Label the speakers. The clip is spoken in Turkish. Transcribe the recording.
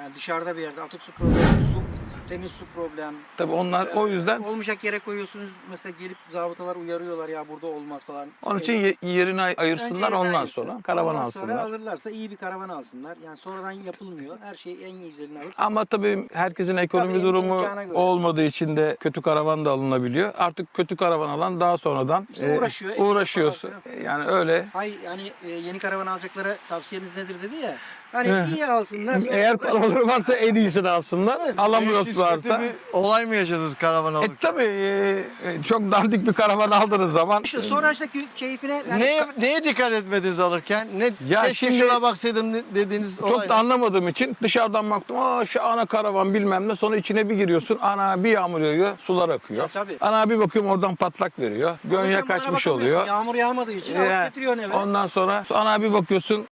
Speaker 1: Yani dışarıda bir yerde atık su problemi, temiz su problem.
Speaker 2: Tabii onlar o yüzden
Speaker 1: Olmayacak yere koyuyorsunuz. Mesela gelip zabıtalar uyarıyorlar ya burada olmaz falan.
Speaker 2: onun için yerini
Speaker 1: Önce
Speaker 2: ayırsınlar,
Speaker 1: yerini
Speaker 2: ondan
Speaker 1: ayırsın.
Speaker 2: sonra karavan
Speaker 1: Ondan sonra
Speaker 2: alsınlar.
Speaker 1: alırlarsa iyi bir karavan alsınlar. Yani sonradan yapılmıyor. Her şey en güzelini alır.
Speaker 2: Ama tabii herkesin ekonomi
Speaker 1: Tabii,
Speaker 2: durumu
Speaker 1: imkana göre.
Speaker 2: olmadığı için de kötü karavan da alınabiliyor. Artık kötü karavan alan daha sonradan
Speaker 1: İşte uğraşıyor, eşya
Speaker 2: uğraşıyorsun.
Speaker 1: falan
Speaker 2: Yani öyle.
Speaker 1: Hay yani yeni karavan alacaklara tavsiyeniz nedir dedi ya. Hani
Speaker 2: Heh.
Speaker 1: iyi alsınlar. Sonra
Speaker 2: Eğer paraları varsa en iyisini alsınlar.
Speaker 3: Siz
Speaker 2: Alamıyorlarsa.
Speaker 3: kötü bir olay mı yaşadınız karavan alırken?
Speaker 2: Tabii çok dandik bir karavan aldığınız zaman
Speaker 1: İşte sonra işte keyfine yani
Speaker 3: Neye dikkat etmediniz alırken?
Speaker 2: Ya
Speaker 3: Keşke
Speaker 2: şimdi-
Speaker 3: şuna baksaydım dediğiniz olay
Speaker 2: çok da anlamadığım için dışarıdan baktım. Şu ana karavan bilmem ne. Sonra içine bir giriyorsun. Ana bir yağmur yağıyor. Sular akıyor.
Speaker 1: Tabii.
Speaker 2: Ana bir bakıyorum oradan patlak veriyor. Gönye
Speaker 1: alırken bana
Speaker 2: kaçmış
Speaker 1: bakamıyorsun.
Speaker 2: oluyor.
Speaker 1: Yağmur yağmadığı için alıp
Speaker 2: Yani
Speaker 1: getiriyorsun eve.
Speaker 2: ondan sonra ana bir bakıyorsun